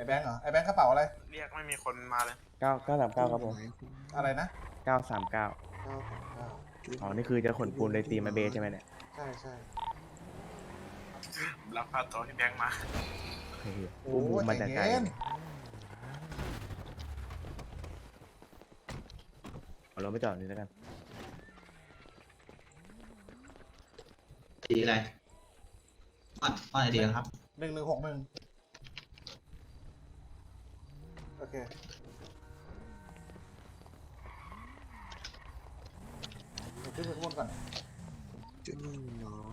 แบงค์เหรอไอแบงค์กระเป๋าอะไรเรียกไม่มีคนมาเลย 939ครับผมอะไรนะ 939 939 อ๋อนี่คือจะขนปูนเลยตีมาเบสใช่ไหมเนี่ยใช่ใช่รับพาตัวพี่แบงค์มาเฮ้ยโอ้บูมมาใจจากไกลเย็นเอารถไปจอดนี่แล้วกันสีอะไรป้อนไอเดียครับ 1161โอเคเดี๋ยวขึ้นไปข้างบนก่อนจุดหนึ่งน้อย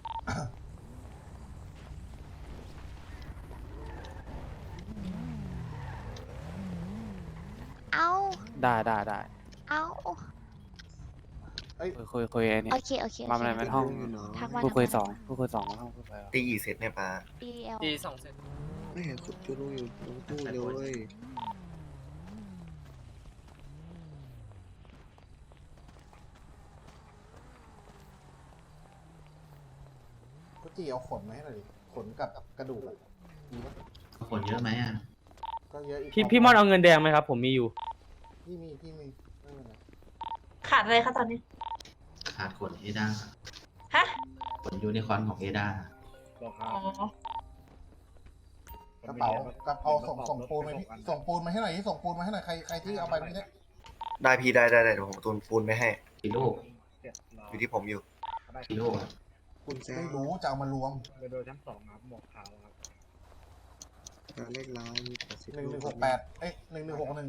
เอาได้เอาคุยไอ้นี่โอเคโอเคมาอะไรมันห้องอยู่น้อยทักมาผู้คุยสองมาห้องผู้คุยตีกี่เซตเนี่ยป้า DL ตี2 เซตไม่เห็นขุดจุดลูกอยู่ตรงตู้เลยก็จีเอาขนมาให้หน่อยดิขนกับกระดูกอะมีปะคนเยอะไหมอ่ะก็เยอะอีกพี่มอนเอาเงินแดงไหมครับ ผมมีอยู่พี่มีไม่เป็นไรขาดอะไรคะตอนนี้ขาดขนเอด้าฮะขนยูนิคอร์นของเอด้าอ๋อกระเป๋าส่งปูนมาพี่ส่งปูนมาให้หน่อยที่ส่งปูนมาให้หน่อยใครที่เอาไปเมื่อกี้เนี่ยได้พี่ได้เดี๋ยวผมตูนปูนไปให้กี่ลูกอยู่ที่ผมอยู่กี่ลูกอะคุณแซไม่มรู้จะเอามารวมการเลขร้ายมี80 11681161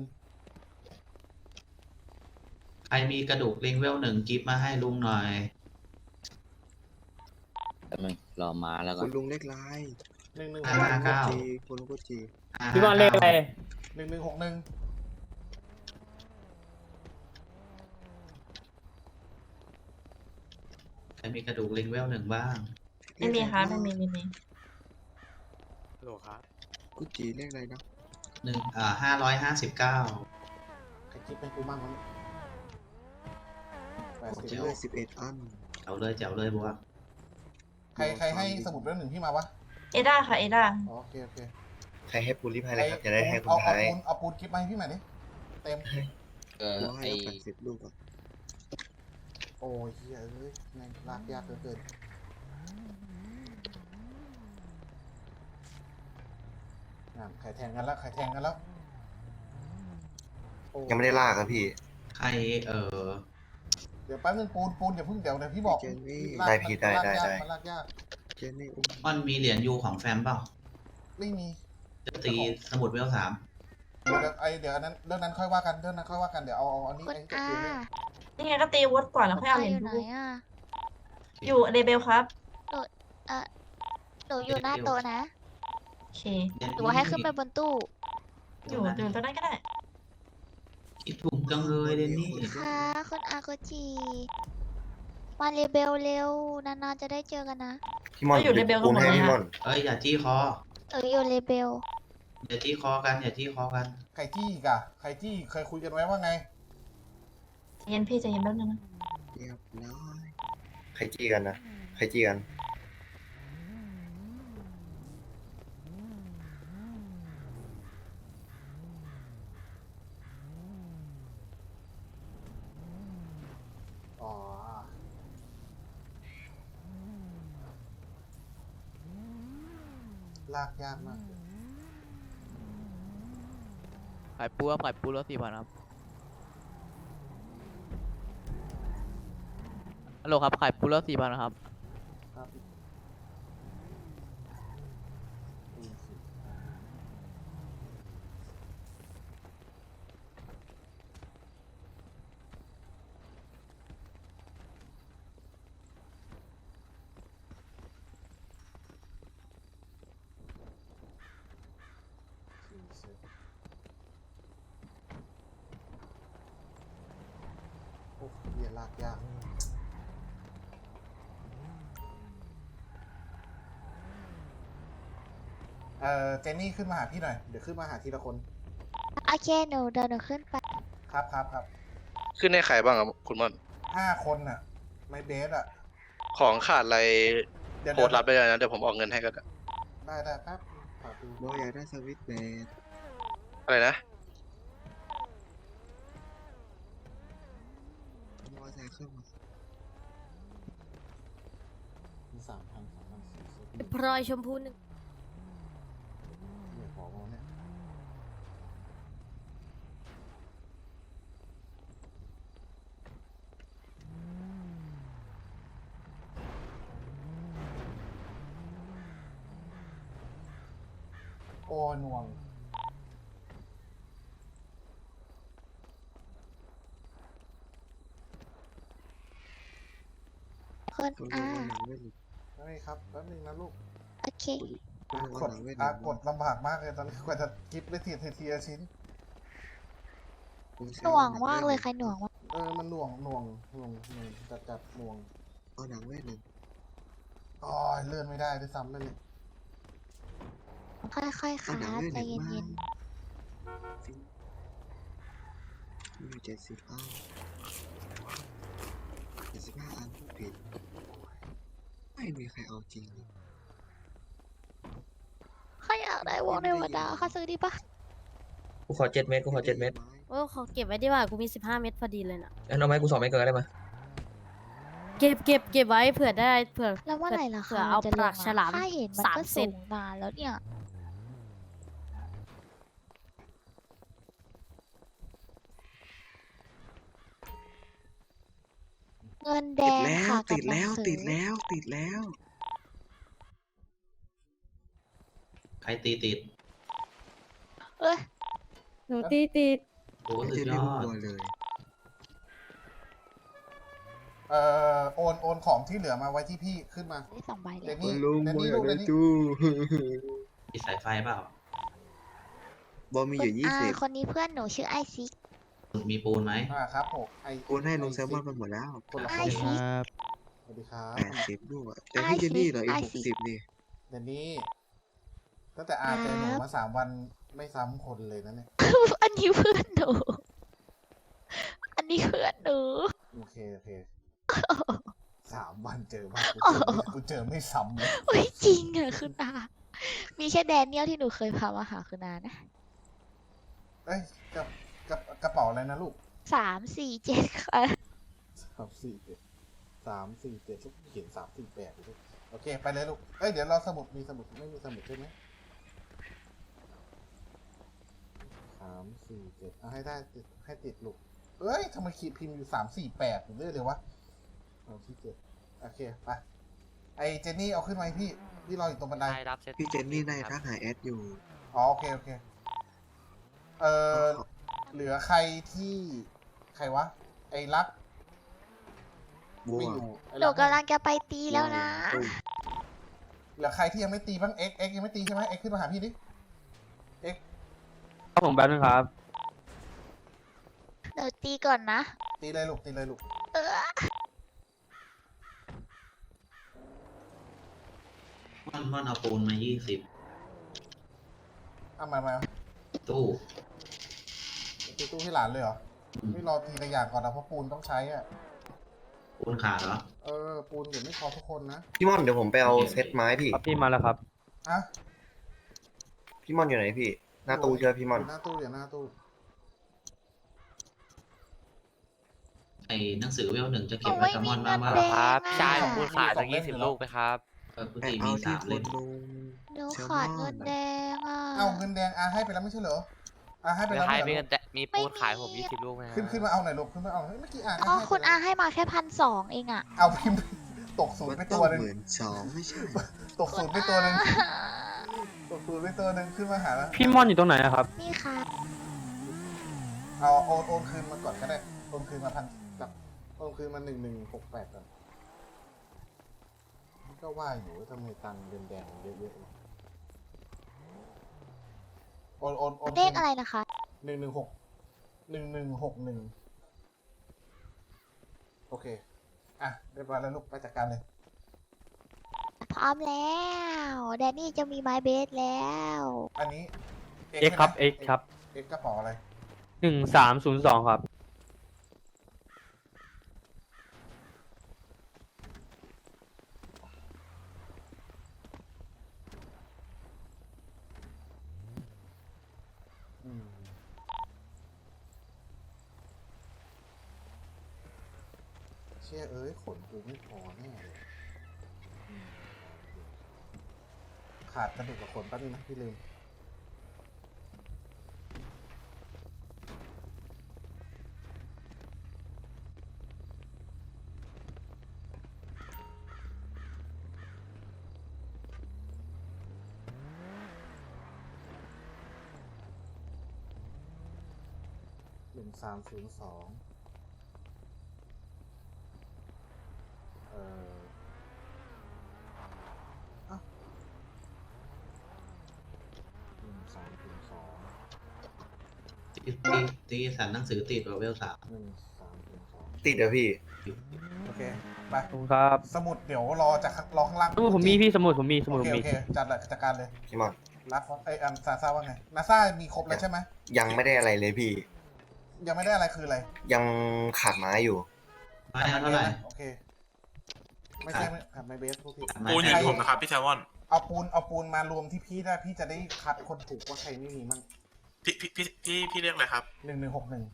ใครมีกระดูกลิงเวล1กิฟต์มาให้ลุงหน่อยรอมาแล้วก็คุณลุงเลขร้าย 559 จีคุณลุงก็จีพี่มอนเลขอะไร 1161 ใครมีกระดูกลิงเวล1บ้างไม่มีค่ะไม่มีโหลครับกุจีเลขอะไรนะ 559 ใครคิดเป็นกูมั่งวะเนี่ยเจ๋วเลข11 อันเอาเลยเจ๋วเลยบัวใครให้สมุดเล่มหนึ่งพี่มาวะเอด้าค่ะเอด้าอ๋อโอเคโอเคใครให้ปูนรีบให้เลยครับ จะได้ให้คุณเอาท้ายเอาปูนคลิปมาให้พี่หน่อยดิเต็มเราให้เรา80 ลูกอ่ะโอ้ยเฮียเอ้ยแม่งลากยากเหลือเกินนั่นใครแทงกันแล้วโอ้ยังไม่ได้ลากครับพี่ใครเดี๋ยวแป๊บนึงปูนอย่าเพิ่งเดี๋ยวพี่บอกเจนนี่ลากได้พี่ได้มันลากยากเจนนี่อุ้มมันมีเหรียญยูของแฟมเปล่าไม่มีจะตีสมุดเวล3 เดี๋ยวอันนั้นเรื่องนั้นค่อยว่ากันเดี๋ยวเอาอันนี้คุณไอ้อาตัวนี้นี่ไงก็ตีวอตก่อนแล้วค่อยเอาเหรียญอยู่ไหนดูอ่ะอยู่เรเบลครับหนูอยู่หน้าโต๊ะนะโอเคหนูให้ขึ้นไปบนตู้อยู่ตรงนั้นก็ได้คิดถูกจังเลยเดนนี่ค่ะคุณอาโกจิมาเรเบลเร็วนานๆจะได้เจอกันนะพี่มอนก็อยู่ในเบลปูนให้ตรงไหนอะพี่มอนเอ้ยอย่าจี้คออยู่เรเบลอย่าจี้คอกันอย่าจี้คอกันใครจี้อีกอะใครจี้เคยคุยกันไว้ว่าไงใจเย็นพี่ใจเย็นแป๊บนึงนะเรียบร้อยใครจี้กันนะใครจี้กันอ๋อลากยากมากขายปูแล้ว4,000ครับฮัลโหลครับขายปูแล้ว4,000นะครับครับโอ้เหี้ยลากยากเจนนี่ขึ้นมาหาพี่หน่อยเดี๋ยวขึ้นมาหาทีละคนโอเคเดี๋ยวหนูขึ้นไปครับขึ้นให้ใครบ้างครับคุณมอน 5 คนน่ะไม่เบสอะของขาดอะไรเดี๋ยวโพสต์รับได้เลยนะ เดี๋ยวผมออกเงินให้ก็ได้ได้แป๊บฝากดูบอยอยากได้สวิตช์แบนอะไรนะบอยใส่เครื่องมามี3,000 พลอยชมพูหนึ่งเนี่ยของเราเนี่ยโอ้หน่วงคนตัวอาหนังเวทหนึ่งได้ครับแป๊บนึงนะลูกโอเคกดกดลำบากมากเลยตอนนี้กว่าจะกิฟต์ได้ทีละชิ้นหน่วงมากเลยใครหน่วงวะมันหน่วงจัดหน่วงเอาหนังเวทหนึ่งอ๋อเลื่อนไม่ได้ด้วยซ้ำนั่นนี่ค่อยๆเอาขาหนังเวทใจหนึ่งเย็นมี70อัน75อันผู้ผิดไม่มีใครเอาจริงเลยๆใครอยากได้วงในวันดาค่ะซื้อดีปะกูขอ7 เม็ดโอ้ขอเก็บไว้ดีกว่ากูมี15 เม็ดพอดีเลยนะงั้นเอาไหมกู2 เม็ดเกินได้ไหมเก็บไว้เผื่อได้เผื่อแล้วเมื่อไหร่ล่ะเผื่คะอเอาจะปลากฉลามค่าเห็นมันสามก็เซสูตงนานแล้วเนี่ย เงินแดงค่ะกับหนังสือติดแล้วใครตีติดเอ้ยหนูตีติดโอ้ไม่สุดใช่ยพี่อบัดวเลยโอนของที่เหลือมาไว้ที่พี่ขึ้นมาได้2 ใบเลเดยนนี่เดนนี่ลูกเดนนี่มีสายไฟเปล่าบอมีอยู่คนนี้เพื่อนหนูชื่อไอซิกมีปูนไหมครับผม 20โอนให้ลงแซลมอนมันหมดแล้วคนละไอคนซิกสวัสดีครับ 80ด้วยแต่พี่เจนนี่เหรออีก60นี่เดนนี่ตั้งแต่อาเจอหนูมา3 วันไม่ซ้ำคนเลยนะเนี่ยอันนี้เพื่อนหนู อันนี้เพื่อนหนูโอเค3 วันเจอมากูเจอไม่ซ้ำเลยโอ้ยจริงอะคุณอามีแค่แดเนียลที่หนูเคยพามาหาคุณอานะเอ้ยกระเป๋าอะไรนะลูก 347ค่ะ 347ลูกเขียน348ลูกโอเคไปเลยลูกเอ้ยเดี๋ยวเราสมุดมีสมุดไม่มีสมุดใช่ไหม347เอาให้ได้ให้ติดลูกเอ้ยทำไมขีดพิมพ์อยู่348อยู่เรื่อยเลยวะ347โอเคไปไอเจนนี่เอาขึ้นมาให้พี่รออยู่ตรงบันไดพี่เจนนี่ได้ทักหาแอดอยู่อ๋อโอเคเหลือใครที่ใครวะไอ้รักบัวไม่อยู่ไอ้หนูรักกำลังจะไปตีแล้วนะเหลือใครที่ยังไม่ตีบ้างเอ็กยังไม่ตีใช่ไหมเอ็กขึ้นมาหาพี่ดิเอ็กครับผมแป๊บนึงครับหนูตีก่อนนะตีเลยลูกตีเลยลูกเออมันเอาปูนมา20 เอามาตู้ตีตู้ให้หลานเลยเหรอไม่รอทีละอย่างก่อนนะเพราะปูนต้องใช้อ่ะปูนขาดเหรอปูนเดี๋ยวไม่พอทุกคนนะพี่ม่อนเดี๋ยวผมไปเอาเซตไม้พี่ครับพี่มาแล้วครับอ่ะพี่ม่อนอยู่ไหนพี่ หน้าตู้เชื่อพี่ม่อนหน้าตู้เดี๋ยวหน้าตู้ไอ้หนังสือเวล1จะเก็บโอ้ไว้ยกับมีมอนเงิบ้างนว่าแดงครับอะใช่ผมพูดขายตั้ง20 ลูกไปครับปกแต่ติเอามีที่ 3 คเล่นมลงหนูแซลมอนขาดเงินแดงอ่ะเอาเงินแดงให้ไปแล้วไม่ใช่เหรอให้ไปไม่แล้วให้ไม่มีเหรเงิอนแต่มีปูนขายผม20 ลูกไหมขึ้นมาเอาหน่อยลูกขึ้นมาเอาเมื่อกี้อ๋อให้คุณอาให้มาแค่1,200เองอ่ะเอาพิมพ์ตกศูนมัย์นไปต้ตัอวงหนึง 12,000ไม่ใช่ตกศูนย์ไปตัวหนึงตกศูนย์ไปตัวหนึงขึ้นมาหาแล้วพี่มอนอยู่ตรงไหนครับนี่ค่ะเอาโอนคืนมาก่อนก็ได้โอนคืนมาโอนคืนมา1168ก่อนก็ว่าอยู่ว่าทำไมตังค์แดงๆเยอะๆโอนเลขอะไรนะคะ 1161โอเคอ่ะเรียบร้อยแล้วลูกไปจัดการเลยพร้อมแล้ว แดนนี่จะมีไม้เบสแล้วอันนี้ X ครับ X ครับเอ็กกระเป๋าอะไร 1302 ครับเชี่ยเอ้ยขนกูไม่พอแน่เลยอืมขาดกระดูกกับขนแป๊บนึงนะพี่ลืม 1302อ้าว1302 ตีสันหนังสือติดว่าเวล 1302 ติดเหรอพี่โอเค ไปขอบคุณครับสมุดเดี๋ยวรอจากรอข้างล่างสมุดผมมีพี่สมุดผมมีสมุดโอผเคมโอมีเคจัดการเลยพี่มอนรับซาซ่าว่าไงนาซ่ามีครบแล้วใช่ไหมยังไม่ได้อะไรเลยพี่ยังไม่ได้อะไรคืออะไรยังขาดไม้อยู่ไม้เอาเท่าไหร่โอเค ไม่ใช่ขาดไม้เบสพวกพี่ปูนอยู่ที่ผมนะครับพี่แซลมอนเอาปูนมารวมที่พี่ได้พี่จะได้คัดคนถูกว่าใครไม่มีมั่งพี่เรียกอะไรครับ 1161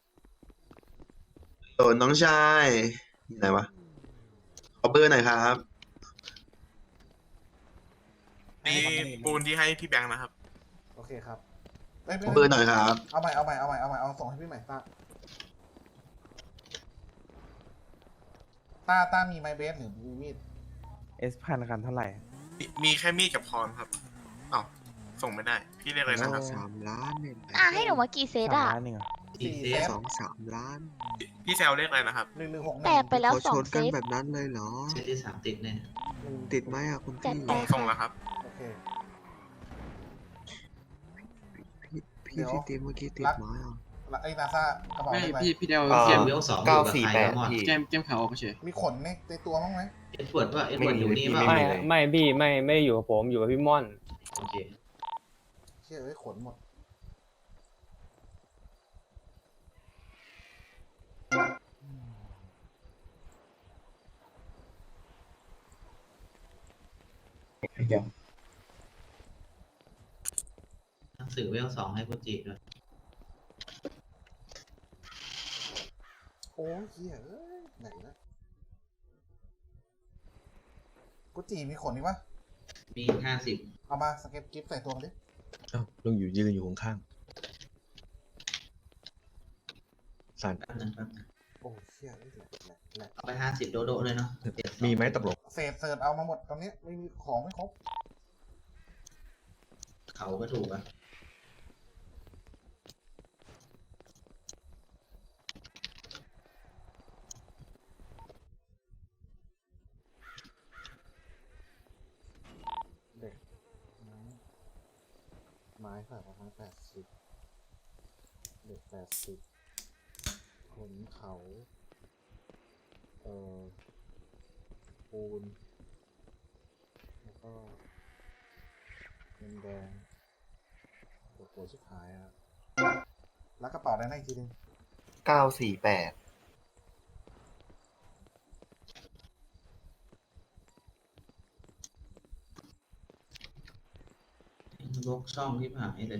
โดนน้องชายอยู่ไหนวะขอเบอร์หน่อยครับนี่ปูนที่ให้พี่แบงค์นะครับโอเคครับยขอเบอร์หน่อยครับเอาใหม่เอาส่งให้พี่ใหม่ต้ามีไม้เบสหรือมีมีด S1000คันเท่าไหร่มีแค่มีดกับคอนครับอ้าวส่งไม่ได้ พี่เรียกอะไรนะครับ 3 ล้านเนี่ยให้หนูมากี่เซตสามอะล้านหนึ่งเหรอกี่เซต 3 ล้านพี่แซลเรียกอะไรนะครับ 1161 แตกไปแล้วขอสอชงนเซกันตแบบนั้นเลยเหรอเซตที่ 3ติดเนี่ยติดไหมอ่ะคุณจัดพี่ไปส่งแล้วครับโอเคพี่ที่ตีเมื่อกี้ติดไหมอ่ะแล้วไอ้นาซ่ากระเป๋าได้ไหมพี่เดวเกมเวล 2 948พี่เกมขาวออกเฉยมีขนในตัวบ้างไหมเอ็ดเวิร์ดว่าเอ็ดเวิร์ดอยู่นี่ไม่ป่ะมีไม่พี่ไม่ได้อยู่กับผมอยู่กับพี่ม่อนโอเคเชี่ยเอ้ยขนหมดหนังสือเวล 2ให้กุจิด้วยโอ้ยเฮียเอ้ยไหนนะกุจีมีขนนี่ปะมี 50 เอามาสเก็ตกิฟต์ใส่ตัวมันดิลุงอยู่ยืนอยู่ข้างๆสันแป๊บนึงโอ้ยเชี่ยเอ้ยแหละเอาไป 50 โดโดเลยเนาะมีไหมตกลงเศษเสิร์ฟเอามาหมดตอนนี้ไม่มีของไม่ครบเขาก็ถูกอ่ะเด็กไม้ค่ะประมาณ80เด็ก80ขนเขาปูนแล้วก็เงินแดงโหัวชิบหายอ่ะแล้วกระเป๋าได้ไหนอีกทีนึง 948 ลกช่องที่ผ่านให้เลย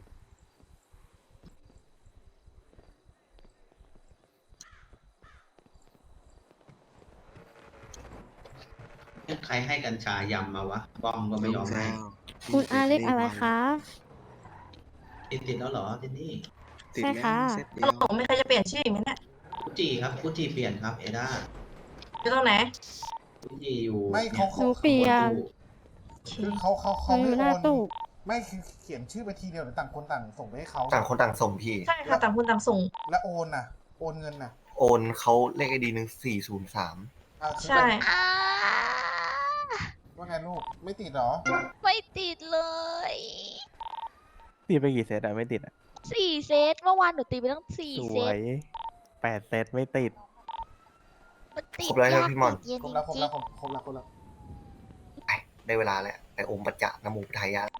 ใครให้กัญชายำมาวะบอมก็ไม่ยอมให้คุณอาเล็กอะไรคะติดแล้วเหรอที่นี่ติดใช่แล้วค่ะเซตเดียวไม่เคยจะเปลี่ยนชื่ออีกไหมเนี่ยกุจิครับกุจิเปลี่ยนครับเอด้าอยู่ตรงไหนกุจิอยู่ไม่เขาหนูเปลี่ยนคือเขาหนูอยู่หไม่น้าโอนตู้ไม่คือเขียนชื่อไปทีเดียวหรือต่างคนต่างส่งไปให้เขาต่างคนต่างส่งพี่ใช่ค่ะต่างคนต่างส่งแล้วโอนน่ะ โอนเงินน่ะโอนเขาเลขไอดี1403 คือใช่อ่าว่าไงลูกไม่ติดเหรอไม่ติดเลยตีไปกี่เซตอะไม่ติดอะ 4 เซตเมื่อวานหนูตีไปตั้งส 4 เซวตย8 เซตไม่ติดมันติดครบแล้วนะยากพี่ม่อนติดเย็นครบจแล้วครบริแล้งวครบแล้วไปได้เวลาแล้วไปอมปัจจะนโมพุทธายะ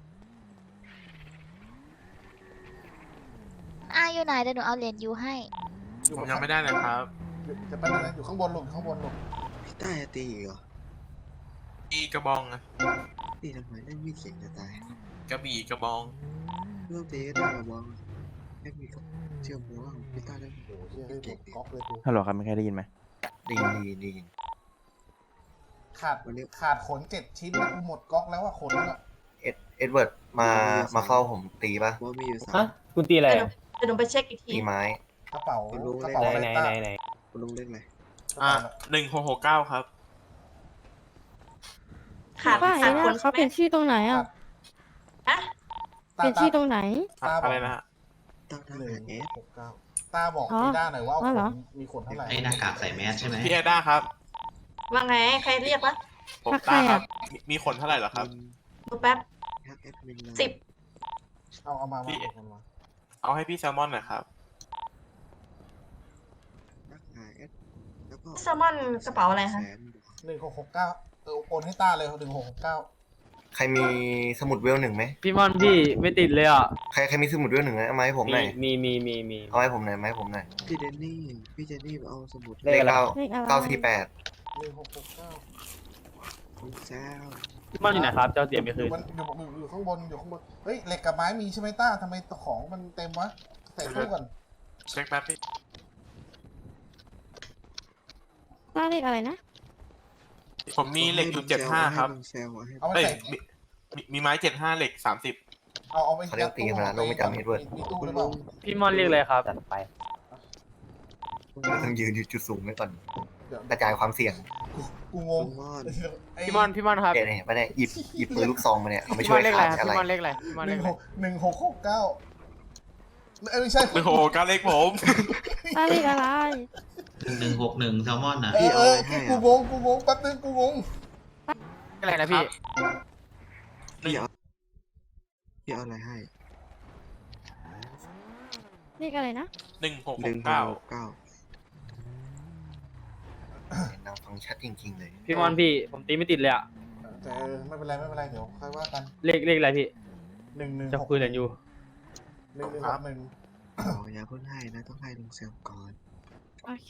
ๆอยู่ไหนเดี๋ยวหนูเอาเหรียญยูให้ผมยังไม่ได้เลยครับจะไปเลยอยู่ข้างบนลูกข้างบนลูกพี่ต้าจะตีอีกเหรออีกระบองอะตีทำไมได้มีดเสียงจะตายกระบี่กระบองเรื่องตีก็ได้ระวังได้มีกับเชื่อมหัวพี่ต้าได้โอ้โหเชี่ยให้ผมก๊อกเลยกูฮัลโหลครับมีใครได้ยินไหมดีขาดขน7 ชิ้นนะกูหมดก๊อกแล้วว่าขนอะเอ็ดเวิร์ดมาเฝ้าผมตีปะว่ามีอยู่สาฮะมคุณตีอะไรเดี๋ยวอะเดี๋ยวหนูไปเช็คอีกทีตีไม้กระเป๋ารู้กระเลขเป๋าไหนอะไรไหนต้าไหนไหนคุณลุงเล่นอะไรอ่ะ1669ครับขาดป้าขาดไอ้คนนะใช่เขาไหมเปลี่ยนชื่อตรงไหนอ่ะฮะเปลี่ยนชื่อตรงไหนอะไรนะฮะตั้งทหนึ่หาง รเอส 6 9ตาบอกอ๋อพี่ด้าหน่อยว่าอ๋อเหรอมีขนเท่าไหร่ไอ้หน้ากากใส่แมสใช่ไหมพี่เอด้าครับว่าไงใครเรียกวะผมทักใครต้าคอะรับมีขนเท่าไหร่เหรอครับดูแป๊บทักแอดมินเลย 10 เอามาพี่เอามาเอาให้พี่แซลมอนหน่อยครับทักหาเอสแล้วก็แซลมอนกระเป๋าอะไรคะแสนบวก 1669โอนให้ต้าเลย1669 ใครมีสมุดเวลหนึ่งไหมพี่มอนพี่ไม่ติดเลยอ่ะใครมีสมุดเวลหนึ่งไหมเอามาให้ผมหน่อยมีเอาให้ผมหน่อยมาให้ผมหน่อยพี่เจนนี่เอาสมุดเลขอะไรเลขอะไร 948 คุณแซวพี่มอนอยู่ไหนครับ เจ้าเสียไม่คืนมันอยู่ข้างบนเฮ้ยเหล็กกับไม้มีใช่ไหมต้าทำไมของมันเต็มวะใส่ตู้ก่อนเช็คแป๊บพี่ป้าเลขอะไรนะผมมีเหล็กอยู่75ครับให้ลุงแซวให้เอาไปเอ้ยใส่มีไม้75เหล็ก30 เอาไปเขาเรียกตีกันนะลงไม่จำเฮ็ดเวิร์ดมีตู้คุหณรือเปลุล่างพี่มอนเรียกอะไรครับจัดไปต้องยืนอยู่จุดสูงไว้ก่อนเดี๋ยวกระจายความเสี่ยงกูงงคุณมอนไอ้พี่มอนครับเนี่ยไม่ได้หยิบปืนลูกซองมาเนี่ยเอาไปพี่ช่มวอย นเรียกอะไรขาครับอะไรพี่มอนเรียกอะไรพี่มอนหเรีนึ่ยงกหอะไรก1669ไม่ใช่โอ้โหการเล็กผมป้าเลขอะไร 1161แซลมอนอ่ะกูงงแป๊บนึงกูงงอะไรนะพี่พี่เอาอะไรให้เลขอะไรนะ 1669 เก้านางฟังชัดจริงๆเลยพี่มอนพี่ผมตีไม่ติดเลยอ่ะแต่ไม่เป็นไรเดี๋ยวค่อยว่ากันเลขอะไรพี่ 11 จะคุยกันอยู่ 1161 อย่าเพิ่งให้นะต้องให้ลุงแซวก่อนโอเค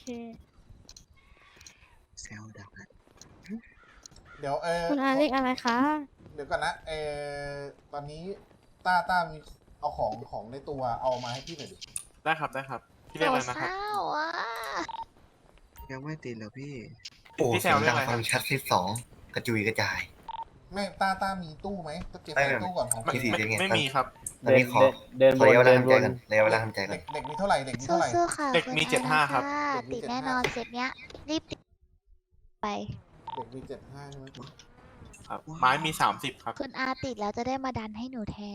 แซวดังนะเดี๋ยวคุณอาเลขอะไรคะเดี๋ยวก่อนนะตอนนี้ต้ามีเอาของในตัวเอามาให้พี่หน่อยดิได้ครับพี่เรียกอะไรนะครับเศร้าๆอ่ะยังไม่ติดเหรอพี่โอ้พี่แซเสียว งเรียดักงอะไรคฟัรับงชัดที่สองกระจุยกระจายไม่ต้ามีตู้ไหมจะเก็บใส่ตู้ก่อนของไม่พี่ไม่มีครับตอนนี้ขอเดินขอระยะเวลาวนทำใจกันระยะเวลาทำใจกันเด็กมีเท่าไหร่สู้ๆค่ะเด็กมีคุณอา 75ครับะติดแน่นอนเสร็จเนี้ย รีบติดไปเด็กมี75ใช่ไหมครับ ไม้มี30ครับคุณอาติดแล้วจะได้มาดันให้หนูแทน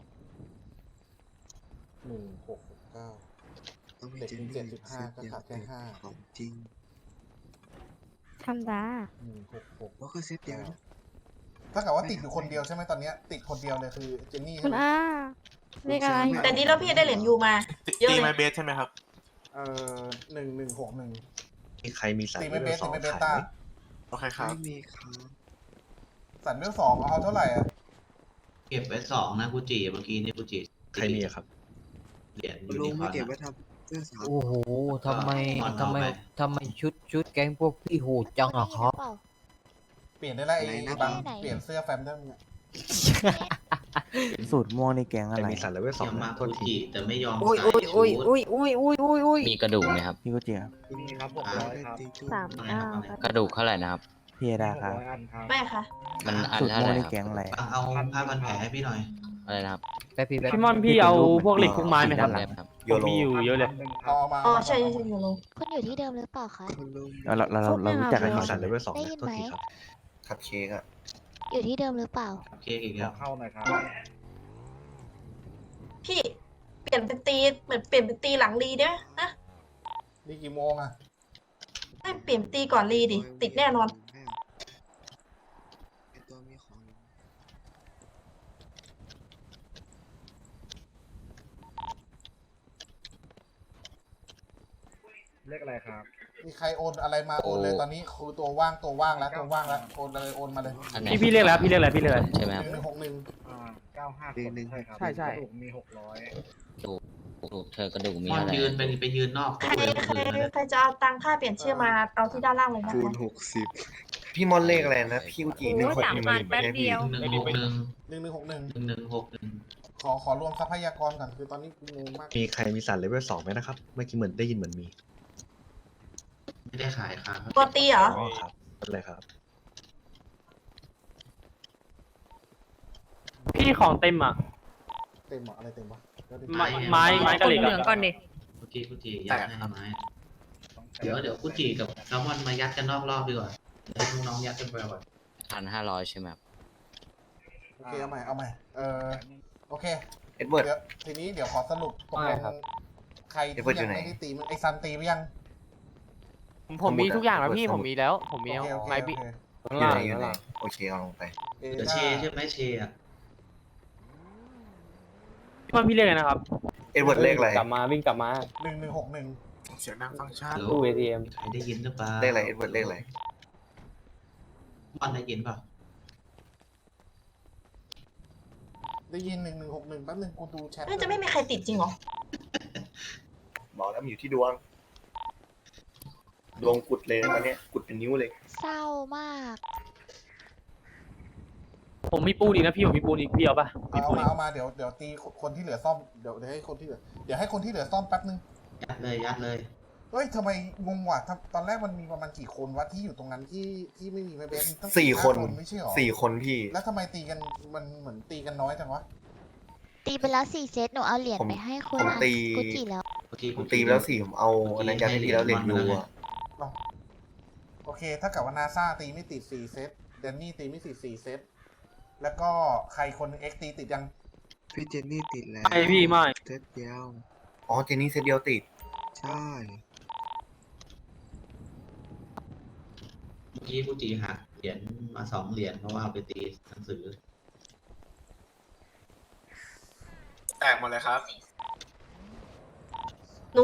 1669 ต้องมีเด็กเจนมีนี่ 75ก็ขาดแค่5 ของจริงทำดา 166 แล้วก็เซตเดียวนะถ้าเกิดว่าติดอยู่คนเดียวใช่ไหมตอนเนี้ยติดคนเดียวเลยคือเจนนี่คุใช่ณไหมอาเลขอะไรแต่ดีแล้วพี่ได้เหรียญยูมา เยอะตีเลยไม้เบสใช่ไหมครับ 1161 มีใครมีสายตีไม่เบสต้าโอเคครับไม่มีครับสันเวล2เอาเท่าไหร่อ่ะเก็บไว้2นะกูจีเมื่อกี้นี่กูจีใครมีอะครับเหรียญคุณยูลุนิงคไม่อร์นเก็บอะไว้ทำเสื้อสาวโอ้โหทำไมอ่อนทำไมเอาไปทำไมชุดแก๊งพวกพี่โหดจังอะครับเปลี่ยนได้แล้วไอ้บังเปลี่ยนเสื้อแฟมได้ไหมเนี่ยสูตรม่วงในแกงอะไรมีสายเลเวลสองยังมากูจีแต่ไม่ยอมโอ้ยใส่โอ้ยชุดโอ้ยโอ้ยโอ้ยโอ้ยโอ้ยโอ้ยมีกระดูกไหมครับ พี่กุจิครับ 39 กระดูกเท่าไหร่นะครับพี่เอดาครับไม่ค่ะมันอันสูตรเท่าม่วไหงร่ในครับแกงอะไรเอาผ้าพันแผลให้พี่หน่อยอะไรนะครับพี่มอนพี่เอาพวกเหล็กพวกไม้ไหมครับด้านหลังครับโยผมโรมีอยู่เยอะเลยเอามาอ๋อใช่ยูโรคุณอยู่ที่เดิมหรือเปล่าคะคุณลุงเรารู้จักกันอยู่สายเลเวลสองได้ยินไหมคัพเค้กอะอยู่ที่เดิมหรือเปล่าเค้กอีกแล้วพี่เปลี่ยนเป็นตีเหมือนเปลี่ยนเป็นตีหลังรีได้ไหมนะนี่กี่โมงอ่ะไม่เปลี่ยนตีก่อนรีดิ ติดแน่นอนไอ้ตัวมีของอยู่มีใครโอนอะไรมาโอนเลยตอนนี้คือตัวว่างแล้วโอนเลยโอนมาเลยอันไหนพี่เรียกแล้วพี่เรียกอะไรพี่เรียกอะไรใช่ไหมครับ 1161 ปีหนึ่งใช่ใช่กระดูกเธอกระดูกมีมอนอะไรยืนไปยืนนอกใครตู้เลยคนอื่นนะใครจะเอาตังค่าเปลี่ยนชื่อมาเอาที่ด้านล่างเลยนะคูคะณ60 พี่มอนเลขอะไรนะ พี่กุจิ161 1161ขอรวมทรัพยากรก่อนคือตอนนี้กูงงมากมีใครมีสายเลเวล2ไหมนะครับ เมื่อกี้เหมือนได้ยินเหมือนมีไม่ได้ขายครับกลัวตีเหรออ๋อครับเลยครับพี่ของเต็มอ่ะเต็มเหรออะไรเต็มวะเดี๋ยวดิไม้กระเหล็กเหลืองก่อนดิกุจิยัดให้ไม้เดี๋ยวกุจิกับแซลมอนมายัดกันนอกรอบดีกว่าเดี๋ยวให้น้องๆยัดกันไปก่อน 1,500 ใช่ไหมครับโอเคเอาใหม่โอเคเอ็ดเวิร์ดเดี๋ยวทีนี้เดี๋ยวขอสรุปตกลไม่งครับใครเดี๋ที่ยวเพิ่งอยู่ยังไหนไม่ได้ตีมันไอซันตีไปยังผมมีทุกอย่างแล้วพี่ผมมีแล้ว ผมมีโอเคโอเคไม้โอบิเคอยู่ไหนอยู่ไหนโอเคเอาลงไปเดี๋ยวเชใช่ไหมเชอ่ะพี่มันพี่เรียกไงนะครับเอ็ดเวิร์ดเลขอะไรกลับมาวิ่งกลับมา 1161 เสียงดังฟังชัดตู้ ATM ใครได้ยินหรือเปล่าเลขอะไรเอ็ดเวิร์ดเลขอะไรมอนได้ยินเปล่าได้ยิน1161แป๊บนึงกูดูแชทน่าจะไม่มีใครติดจริงเหรอบอกแล้วมันอยู่ที่ดวง ดวงกุดเลยตอนเนี้ยกุดเป็นนิ้วเลยเศร้ามากผมมีปูนอีกนะพี่ผมมีปูนอีกพี่เอาปะมีเอาปูนอีกมาเดี๋ยวตีคนที่เหลือซ่อมเดี๋ยวให้คนที่เหลือซ่อมแป๊บนึงยัดเลยเฮ้ยทำไมงงว่ะตอนแรกมันมีประมาณกี่คนวะที่อยู่ตรงนั้นที่ไม่มีแม่เบสตั้ง 4 คน 5ไม่ใช่หรอ 4 คนพี่แล้วทำไมตีกันมันเหมือนตีกันน้อยจังวะตีไปแล้ว4 เซต หนูเอาเหรียญผมไปให้คุณผมตีกุจิแล้วผมตีไปแล้ว4ผมเอาอันนั้นยัดให้พี่แล้วเหรียญยูอะโอเค ถ้ากับว่านาซาตีไม่ติด4 เซตเดนนี่ตีไม่ติด4 เซตแล้วก็ใครคนเอ็กตีติดยังพี่เจนนี่ติดแล้วไอพี่ไม่เซตเดียวอ๋อเจนนี่เซตเดียวติดใช่เมื่อกี้กุจิหักเหรียญมา2 เหรียญเพราะว่าเอาไปตีหนังสือแตกหมดเลยครับหนู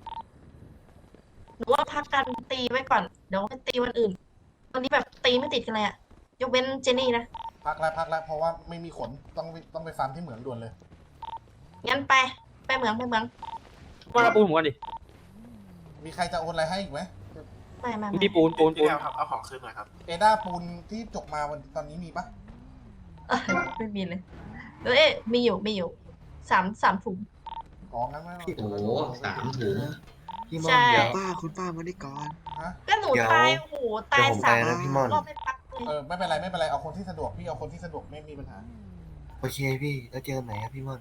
ว่าพักกันตีไว้ก่อน เดี๋ยวไปตีวันอื่น วันนี้แบบตีไม่ติดกันเลยอะยกเว้นเจนนี่นะพักแล้วเพราะว่าไม่มีขนต้องไปฟาร์มที่เหมืองด่วนเลยงั้นไปเหมืองว่าเอาปูนผมก่อนดิมีใครจะโอนอะไรให้อีกไหมไม่พี่ปูนพี่แล้วครับ เอาของคืนหน่อยครับเอด้าปูนที่จกมาวันตอนนี้มีปะไม่มีเลยมีอยู่สามถุงอ๋องั้นไม่โอ้โห3 ถุงพี่ม่อนใช่เดี๋ยวคุณป้ามาได้ก่อนฮะก็หนูตายโอ้โหตายเดี๋ยวผมสามไปนะพี่ม่อนรอบไม่ปักเลยไม่เป็นไรเอาคนที่สะดวกพี่เอาคนที่สะดวกไม่มีปัญหาโอเคพี่แล้วเจอกันไหนครับพี่ม่อน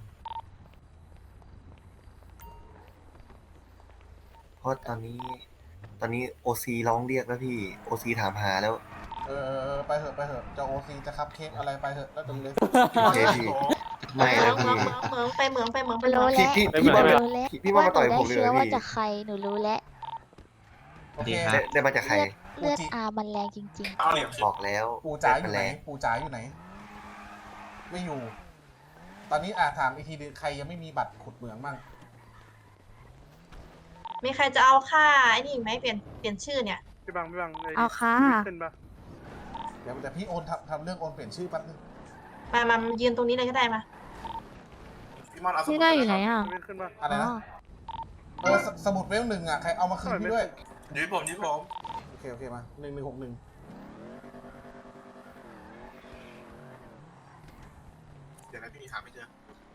เพราะตอนนี้โอซีร้องเรียกแล้วพี่โอซีถามหาแล้วไปเถอะจะโอซีจะคัพเค้กอะไรไปเถอะแล้วตรงเลยโอเคพี่ไม่นะพี่ไปเหมืองรู้แล้วพี่ม่อนรู้แล้วพี่ม่อนมาต่อยผมเลยว่าหนูได้เชื้อเหรอว่าพี่จากใครหนูรู้แล้วโอเคได้มาจากใครเลือดอามันแรงจริงเอาเหรียญคืนบอกแล้วปูจ๋าอยู่ไปไหนแล้วปูจ๋าอยู่ไหน ไม่อยู่ ตอนนี้ถามอีกทีนึงใครยังไม่มีบัตรขุดเหมืองบ้างมีใครจะเอาค่าไอ้นี่อีกไหมเปลี่ยนชื่อเนี่ยพี่บังเอาค่ะขึ้นปะเดี๋ยวแต่พี่โอนทำเรื่องโอนเปลี่ยนชื่อแป๊บนึงมายืนตรงนี้เลยก็ได้มาพี่มอนเอาสมุพี่ดได้ปอยู่ไหนครับอ่ะขึ้นปะอะไรนะสมุดเวล1ใครเอามาคืนพี่ด้วยยืดผมโอเคมา1161 เดี๋ยวนะพี่หาไม่เจอ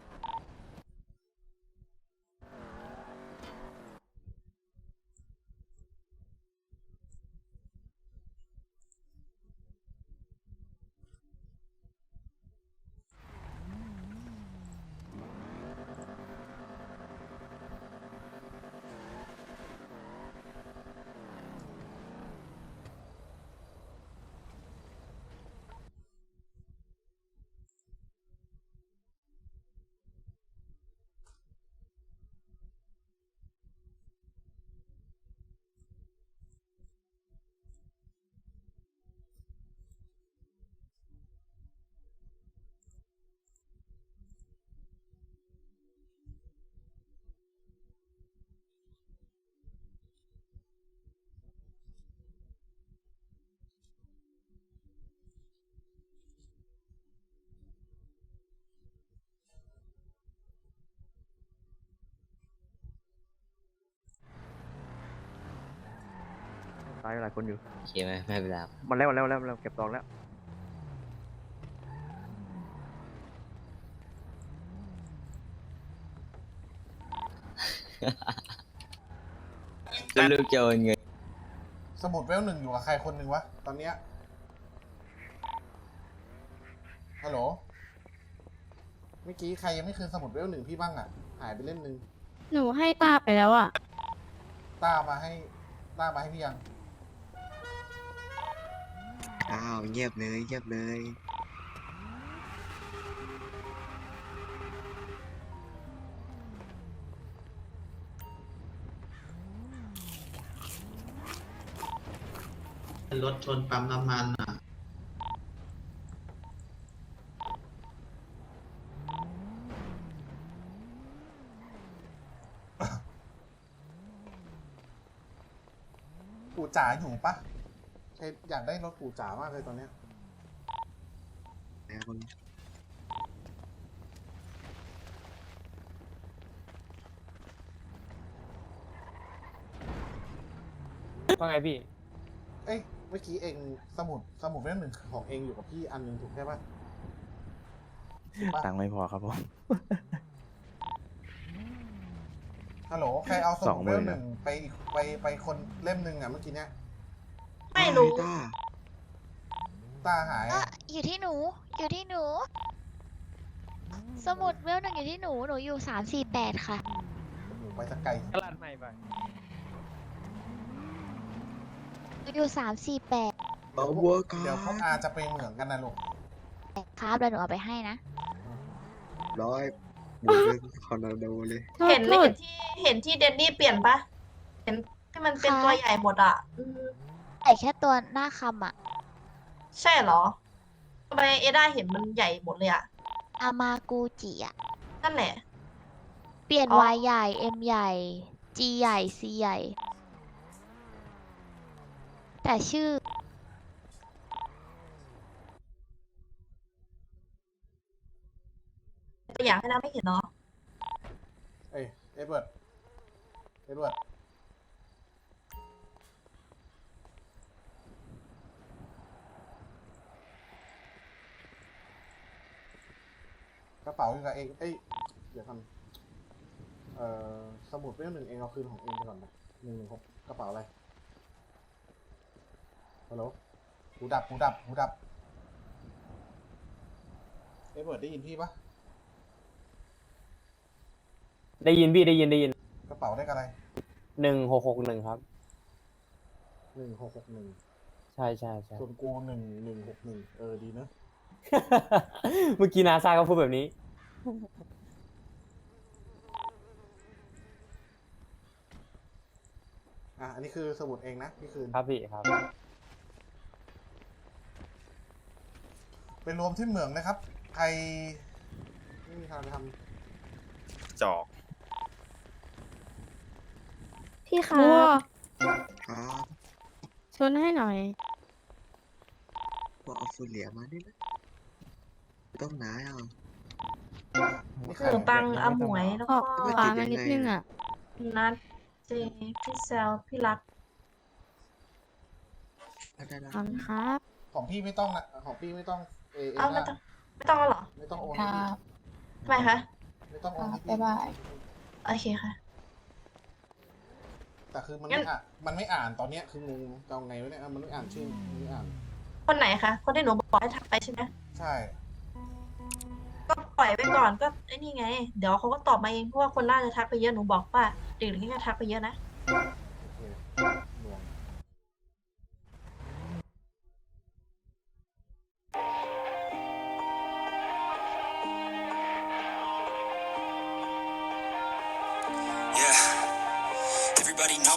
ตายหลายคนอยู่โอเคไหมไม่เป็นไรครับมันแล้วเก็บตองแล้วลูกจะโอนเงินสมุดเวล1อยู่กับใครคนหนึ่งวะตอนเนี้ยฮัลโหลเมื่อกี้ใครยังไม่คืนสมุดเวล1พี่บ้างอ่ะหายไปเล่มนึงหนูให้ตาไปแล้วอ่ะต้ามาให้พี่ยังอ้าวเงียบเลยเงียบเลยรถชนปั๊มน้ำมันอ่ะปู่จ๋าอยู่ปะอยากได้รถปู่จ๋ามากเลยตอนเนี้ยนะคนว่าไงพี่เอ้ยเมื่อกี้เองสมุดเล่ม1ของเองอยู่กับพี่อันหนึงถูกใช่ปะถูกปะตังค์ไม่พอครับผมฮัลโหลใครเอาสมุดเล่ม 20,000 หนึ่งไปคนเล่มหนึ่งอ่ะเมื่อกี้เนี้ยไม่รู้ต้าต้าหายอยู่ที่หนู อยู่ที่หนู สมุดเวลหนึ่งอยู่ที่หนู หนูอยู่348ค่ะหนูไปสักไกลตลาดใหม่ไปหนูอยู่348 เอาวัวก่อเดี๋ยวพวกนอาจะไปเหมืองกันนะลูกครับแล้วหนูเอาไปให้นะร้อยหมุนเป็นคอร์นาโดเลยเห็นเห็นที่เดนนี่เปลี่ยนปะเห็นที่มันเป็นตัวใหญ่หมดอ่ะใส่แค่ตัวหน้าคำอ่ะใช่เหรอทำไมเอด้าเห็นมันใหญ่หมดเลยอ่ะอามากูจิอ่ะนั่นแหละเปลี่ยนอ๋อ Y ใหญ่ M ใหญ่ G ใหญ่ C ใหญ่ แต่ชื่อตัวอย่างให้เราไม่เห็นเนาะเอ้ยเอ็ดเวิร์ดกระเป๋าอยู่กับเองเอ้ยเดี๋ยวทำสมุดเล่มหนึ่งเองเอาคืนของเองไปก่อนไป116กระเป๋าอะไรฮัลโหลหูดับเอ็ดเวิร์ดได้ยินพี่ปะได้ยินพี่ได้ยินกระเป๋าได้กับอะไร 1661ครับ 1661 ใช่ส่วนกู1161ดีเนอะเมื่อกี้นาซาก็พูดแบบนี้อันนี้คือสมุดเองนะพี่คืนครับพี่ครับไปรวมที่เหมืองนะครับ ใครไม่มีทางไปทจอกพี่คะครับชนให้หน่อยว่าเอาฟูเหลียมาด้วยนะต้องไหนอ่ะำนี่ขใครนมปังอาหมวยแล้วขก็อขวามานิดนึงอ่ะนัดเจพี่แซลพี่รักได้ละขอบคุณครับของพี่ไม่ต้องนะของพี่ไม่ต้องเอเอ้าไม่ต้องแล้วเหรอไม่ต้องโอนให้พี่ทำไมคะไม่ต้องโอนให้พี่โอเคค่ะแต่คือมันไม่อ่านตอนเนี้ยคืองงจะเอาไงวะเนี่ยมันไม่อ่านชื่อมันไม่อ่านคนไหนคะ คนที่หนูบอกให้ทักไปใช่ไหมใช่ก็ปล่อยไปก่อนก็ไอ้นี่ไง เดี๋ยวเขาก็ตอบมาเองเพราะว่าคนน่าจะทักไปเยอะหนูบอกว่าเด็กๆนี่ก็ทักไปเยอะนะ